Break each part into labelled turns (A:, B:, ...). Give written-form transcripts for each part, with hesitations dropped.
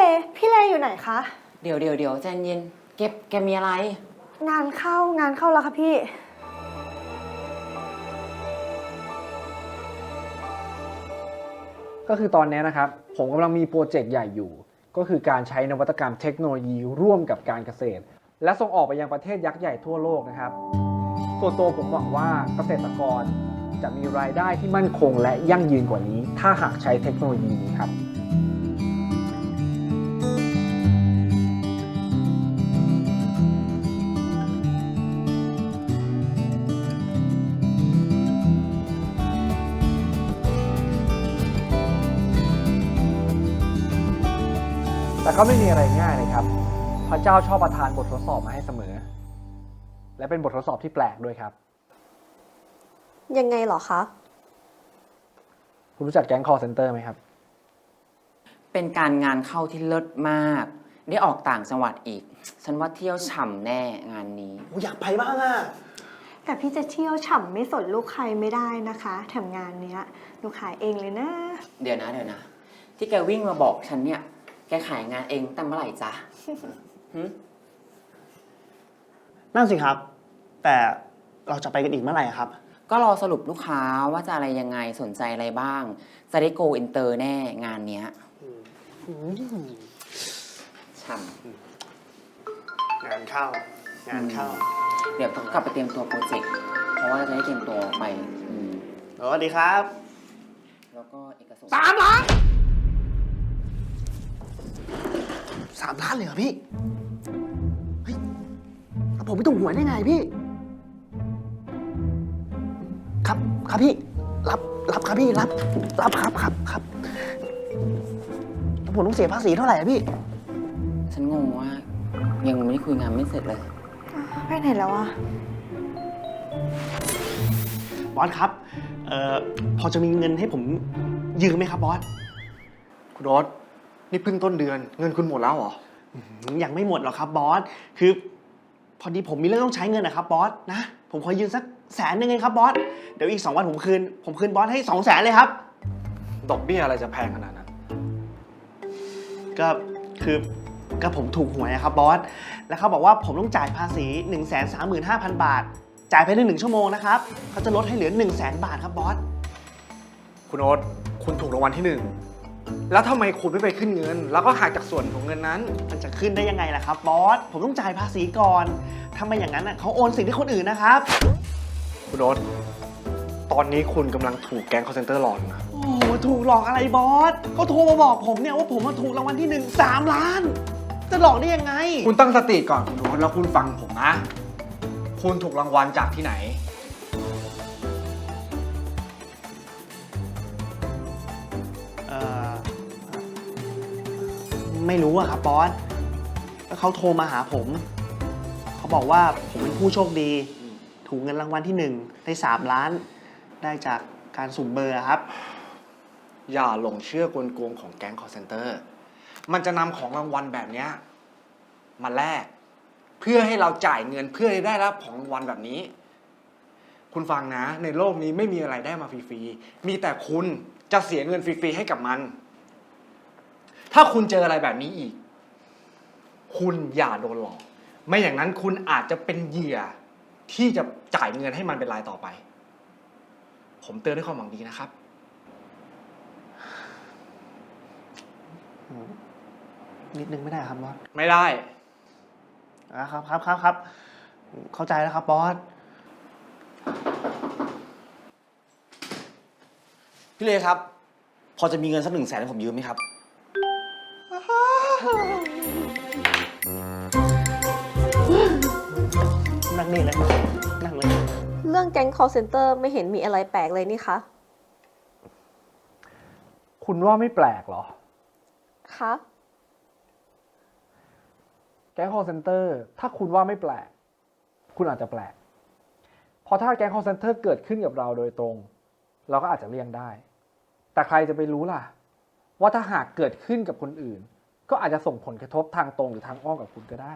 A: พี่เลอยู่ไหนคะ
B: เดี๋ยวใจเย็นแกมีอะไร
A: งานเข้าแล้วค่ะพี่
C: ก็คือตอนนี้นะครับผมกำลังมีโปรเจกต์ใหญ่อยู่ ก็คือการใช้นวัตกรรมเทคโนโลยีร่วมกับการเกษตร และส่งออกไปยังประเทศยักษ์ใหญ่ทั่วโลกนะครับส่วนตัวผมหวังว่าเกษตรกรจะมีรายได้ที่มั่นคงและยั่งยืนกว่านี้ ถ้าหากใช้เทคโนโลยีนี้ครับแต่ก็ไม่มีอะไรง่ายเลยครับพระเจ้าชอบประทานบททดสอบมาให้เสมอ และเป็นบททดสอบที่แปลกด้วยครับ
A: ยังไงเหรอคะ
C: คุณรู้จักแก๊ง call center ไหมครับ
B: เป็นการงานเข้าที่เลิศมาก ได้ออกต่างจังหวัดอีก ฉันว่าเที่ยวฉ่ำแน่งานนี้
D: อยากไปบ้างอ่ะ
A: แต่พี่จะเที่ยวฉ่ำไม่สนลูกใครไม่ได้นะคะแถมงานเนี้ยหนูขายเองเลยนะ
B: เดี๋ยวนะที่แกวิ่งมาบอกฉันเนี่ยแกขายงานเองตั้งเมื่อไหร่จ๊ะ
D: นั่นสิครับ แต่เราจะไปกันอีกเมื่อไหร่ครับ
B: ก็รอสรุปลูกค้าว่าจะอะไรยังไงสนใจอะไรบ้าง จะได้โกอินเตอร์แน่งานเนี้ยฉ่ำ
D: งานเข้า
B: เดี๋ยวต้องกลับไปเตรียมตัวโปรเจกต์เพราะว่าจะได้เตรียมตัวไป
D: สวัสดีครับ
B: แล้วก็เอกสาร
D: 3 ล้าน 3 ล้านเลยเหรอพี่เฮ้ยผมไม่ถูกหวยได้ไงพี่ครับพี่รับครับพี่รับครับผมต้องเสียภาษีเท่าไหร่อะพี่
B: ฉันงงว่ายังไม่ได้คุยงานไม่เสร็จเลย
A: ไปไหนแล้วอะ
D: บอสครับพอจะมีเงินให้ผมยืมไหมครับบอส
C: คุณโอ๊ตนี่เพิ่งต้นเดือนเงินคุณหมดแล้วเหรอ
D: ยังไม่หมดหรอกครับบอสคือพอดีผมมีเรื่องต้องใช้เงินนะครับบอสนะผมขอยืมสัก100,000เองครับบอสเดี๋ยวอีก2 วันผมคืนบอสให้200,000เลยครับ
C: ดอกเบี้ยอะไรจะแพงขนาดนั้น
D: ก็ผมถูกหวยนะครับบอสแล้วเขาบอกว่าผมต้องจ่ายภาษี 135,000 บาทจ่ายภายใน1 ชั่วโมงนะครับเขาจะลดให้เหลือ 100,000 บาทครับบอส
C: คุณโอ๊ตคุณถูกรางวัลที่ 1แล้วทำไมคุณไม่ไปขึ้นเงินแล้วก็หักจากส่วนของเงินนั้น
D: มันจะขึ้นได้ยังไงล่ะครับบอสผมต้องจ่ายภาษีก่อนทำไมอย่างนั้นเขาโอนสิทธิ์ให้คนอื่นนะครับ
C: คุณโอ๊ตตอนนี้คุณกำลังถูกแก๊ง call center หลอกนะ
D: โอ้ถูกหลอกอะไรบอสเขาโทรมาบอกผมเนี่ยว่าผมถูกรางวัลที่ 1 3 ล้านจะหลอกได้ยังไง
C: คุณตั้งสติก่อนคุณโอ๊ตแล้วคุณฟังผมนะคุณถูกรางวัลจากที่ไหน
D: ไม่รู้อะครับบอสแล้วเขาโทรมาหาผมเขาบอกว่าผมเป็นผู้โชคดีถูกเงินรางวัลที่1ได้3 ล้านได้จากการสุ่มเบอร์ครับ
C: อย่าหลงเชื่อกลโกงของแก๊ง call center มันจะนำของรางวัลแบบนี้มาแลกเพื่อให้เราจ่ายเงินเพื่อให้ได้รับของรางวัลแบบนี้คุณฟังนะในโลกนี้ไม่มีอะไรได้มาฟรีๆมีแต่คุณจะเสียเงินฟรีๆให้กับมันถ้าคุณเจออะไรแบบนี้อีกคุณอย่าโดนหลอกไม่อย่างนั้นคุณอาจจะเป็นเหยื่อที่จะจ่ายเงินให้มันเป็นรายต่อไปผมเตือนด้วยความหวังดีนะครับ
D: นิดนึงไม่ได้ครับบอส
C: ไม่ได้
D: ครับเข้าใจแล้วครับบอส
E: พี่เลครับพอจะมีเงินสัก100,000ให้ผมยืมไหมครับ
D: นั่งนี่เลยนั่งเลย
A: เรื่องแก๊ง call center ไม่เห็นมีอะไรแปลกเลยนี่คะ
C: คุณว่าไม่แปลกเหรอ
A: คะ
C: แก๊ง call center ถ้าคุณว่าไม่แปลกคุณอาจจะแปลกเพราะถ้าแก๊ง call center เกิดขึ้นกับเราโดยตรงเราก็อาจจะเลี่ยงได้แต่ใครจะไปรู้ล่ะว่าถ้าหากเกิดขึ้นกับคนอื่นก็อาจจะส่งผลกระทบทางตรงหรือทางอ้อมกับคุณก็ได้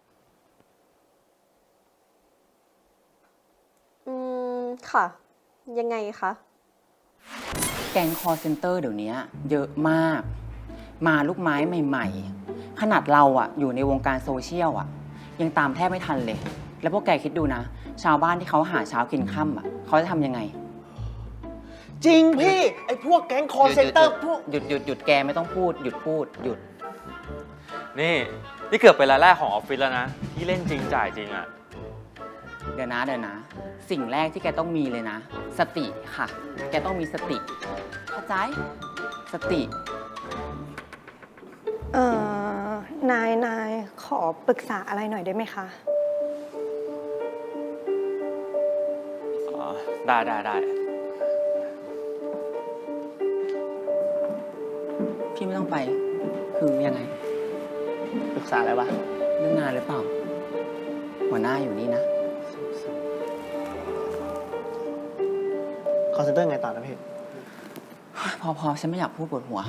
A: ค่ะยังไงคะ
B: แก๊งคอลเซ็นเตอร์เดี๋ยวนี้เยอะมากมาลูกไม้ใหม่ๆ ขนาดเราอะอยู่ในวงการโซเชียลอะยังตามแทบไม่ทันเลย แล้วพวกแกคิดดูนะ ชาวบ้านที่เขาหาเช้ากินค่ำอะเขาจะทำยังไง
D: จริงพี่ ไอ้พวกแก๊งคอร์เซนเตอร์พวก
B: หยุดแกไม่ต้องพูด หยุดพูด หยุด
F: นี่เกือบเป็นรายแรกของออฟฟิศแล้วนะ ที่เล่นจริงจ่ายจริงอะ
B: เดี๋ยวนะ สิ่งแรกที่แกต้องมีเลยนะ สติค่ะ แกต้องมีสติ เข้าใจ สติ
A: นายขอปรึกษาอะไรหน่อยได้ไหมคะ
F: อ๋อ ได้
B: พี่ไม่ต้องไป คือยังไง
D: ปรึกษาอะไรวะ
B: เรื่องงานหรือเปล่า หัวหน้าอยู่นี่นะ
D: คอร์เซนเตอร์ไงต่อนะพี่
B: พอฉันไม่อยากพูดปวดหัว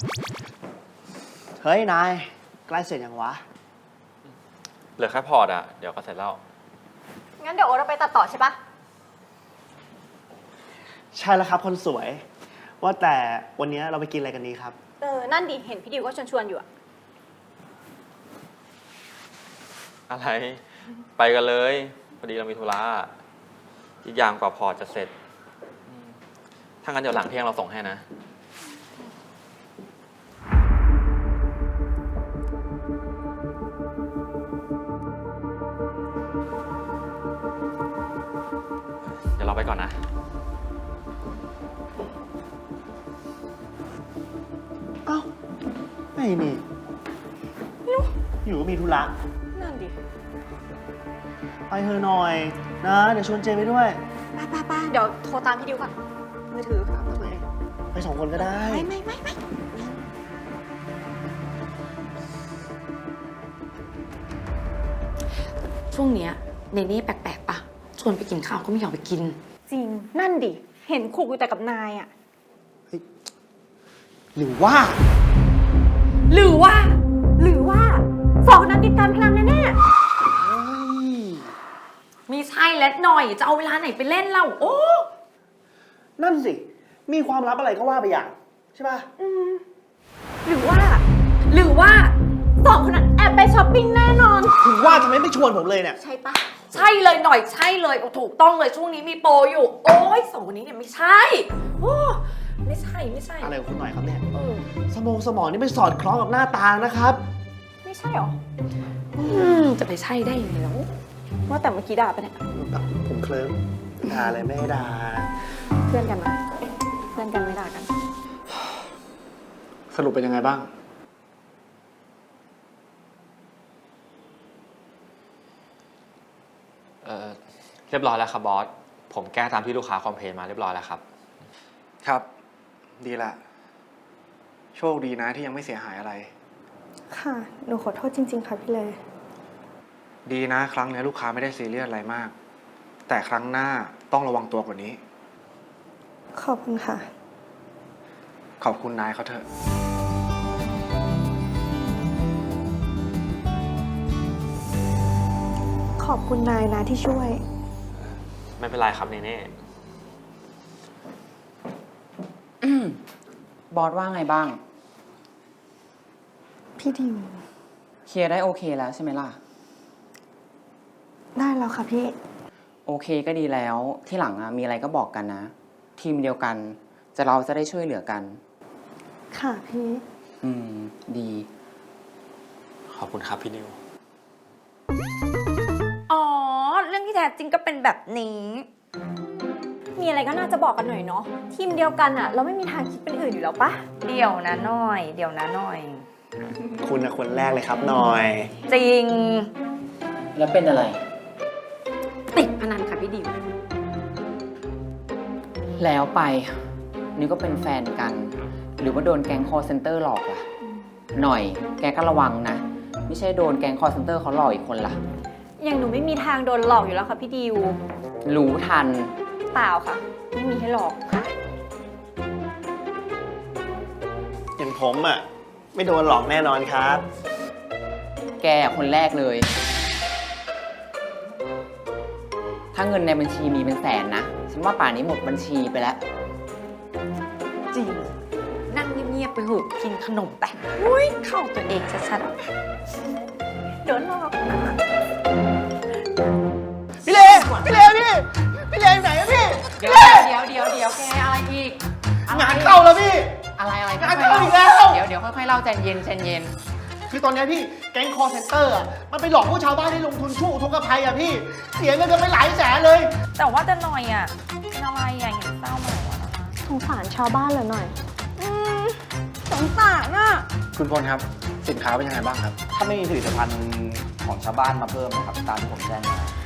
D: เฮ้ย นาย ใกล้เสร็จยังวะ
F: เหลือแค่พอร์ตอะเดี๋ยวก็เสร็จแล้ว
A: งั้นเดี๋ยวโอ๊ตเราไปตัดต่อใช่ปะ
D: ใช่แล้วครับคนสวย ว่าแต่วันนี้เราไปกินอะไรกันดีครับ
A: นั่นดิ เห็นพี่ดิวก็ชวนอยู่อะ
F: อะไร ไปกันเลย พอดีเรามีธุระอีกอย่างกว่าพอร์ตจะเสร็จถ้างั้นเดี๋ยวหลังเที่ยงเราส่งให้นะ เดี๋ยวเราไปก่อนนะ
D: เอ้าไม่นี่อยู่ก็มีธุระ
A: นั่นดิ
D: ไปเธอะหน่อยนะ เดี๋ยวชวนเจไปด้วย
A: ไปเดี๋ยวโทรตามพี่ดิวก่อน มือถือ
D: ไปสองคนก็ได้
A: ไม่
G: ช่วงเนี้ยเนเน่แปลกๆปะชวนไปกินข้าวก็ไม่อยากไปกิน
A: จริง นั่นดิ เห็นคุกอยู่แต่กับนายอะ
D: หรือว่า
G: หรือว่า
A: สองคนนั้นติดการพลังแน่
G: มีใช่แล้วหน่อยจะเอาเวลาไหนไปเล่นเล่าโอ้
D: นั่นสิ มีความลับอะไรก็ว่าไปอย่าง ใช่ป่ะ
A: ๆหรือว่าสองคนนั้นแอบไปช้อปปิ้งแน่นอน
D: ถึงว่าทำไมไม่ชวนผมเลยเนี่ย
A: ใช่ปะ
G: ใช่เลยหน่อยใช่เลยโอ้ถูกต้องเลยช่วงนี้มีโปรอยู่ โอ้ยสองคนนี้เนี่ยไม่ใช่โอ้ไม่ใช่
D: อะไรของคุณหน่อยครับเนี่ย
G: เออ
D: สมองนี่ไม่สอดคล้องกับหน้าตานะครับ
A: ไม่ใช่หรอ
G: จะไปใช่ได้ยังไงแล้ว
A: ว่าแต่เมื่อกี้ด่าปะเนี่ย
D: ผมเคลิ้มด่าอะไรไม่ได้ด่า
A: เพื่อนกันนะเพื่อนกันไม่ด่ากัน
C: สรุปเป็นยังไงบ้าง
F: เรียบร้อยแล้วครับบอส ผมแก้ตามที่ลูกค้าคอมเพลนมาเรียบร้อยแล้วครับ
C: ครับ ดีละ โชคดีนะที่ยังไม่เสียหายอะไร
A: ค่ะ หนูขอโทษจริง ๆ ค่ะพี่เลย
C: ดีนะ ครั้งนี้ลูกค้าไม่ได้ซีเรียสอะไรมาก แต่ครั้งหน้าต้องระวังตัวกว่านี้
A: ขอบคุณค่ะ
C: ขอบคุณนายเขาเถอะ
A: ขอบคุณนายนะที่ช่วย
F: ไม่เป็นไรครับเนเน่
B: บอสว่าไงบ้าง
A: พี่ดิว
B: เคลียร์ได้โอเคแล้วใช่ไหมล่ะ
A: ได้แล้วค่ะพี่
B: โอเคก็ดีแล้ว ที่หลังอะมีอะไรก็บอกกันนะ ทีมเดียวกัน เราจะได้ช่วยเหลือกัน
A: ค่ะพี่
B: ดี
F: ขอบคุณครับพี่นิว
G: อ๋อเรื่องที่แท้จริงก็เป็นแบบนี้
A: มีอะไรก็น่าจะบอกกันหน่อยเนาะ ทีมเดียวกันอะเราไม่มีทางคิดเป็นอื่นอยู่แล้วปะ
G: เดี๋ยวนะหน่อย
D: คุณนะคนแรกเลยครับหน่อย
G: จริง
B: แล้วเป็นอะไร
G: ติดพนันค่ะพี่ดิว
B: แล้วไป นี่ก็เป็นแฟนกัน หรือว่าโดนแก๊งคอร์เซนเตอร์หลอกล่ะ หน่อย แกก็ระวังนะ ไม่ใช่โดนแก๊งคอร์เซนเตอร์เขาหลอกอีกคนล่ะ
A: อย่างหนูไม่มีทางโดนหลอกอยู่แล้วค่ะพี่ดิว
B: รู้ทัน
A: เปล่าค่ะ ไม่มีให้หลอกค่ะ
D: อย่างผมอ่ะ ไม่โดนหลอกแน่นอนครับ
B: แกคนแรกเลย ถ้าเงินในบัญชีมีเป็นแสนนะ ฉันว่าป่านนี้หมดบัญชีไปแล้ว
G: จริง นั่งเงียบๆไปหูกินขนมแต่อุ้ยเข้าตัวเองชัดๆโดนหลอก
D: พี่เลพี่เลอยู่ไหนอะพี่
B: เดี๋ยวแกอะไรอีกอะไร
D: งานเข้าแล้วพี่
B: อะไร
D: งานเข้าอีกแล้ว
B: เดี๋ยวค่อยๆเล่าใจเย็น
D: คือตอนเนี้ยพี่แก๊งคอร์เซนเตอร์อะมันไปหลอกพวกชาวบ้านให้ลงทุนช่วงอุทกภัยอะพี่ เสียเงินกันไปหลายแสนเลย
G: แต่ว่าจะหน่อยอ่ะเป็นอะไรอ่ะเห็นเศร้ามาหวะ
A: สงสารชาวบ้านเหรอหน่อย
G: สงสารอ่ะ
C: คุณพลครับ สินค้าเป็นยังไงบ้างครับ
E: ถ้าไม่มีผลิตภัณฑ์ของชาวบ้านมาเพิ่มนะครับ ตามที่ผมแจ้งมา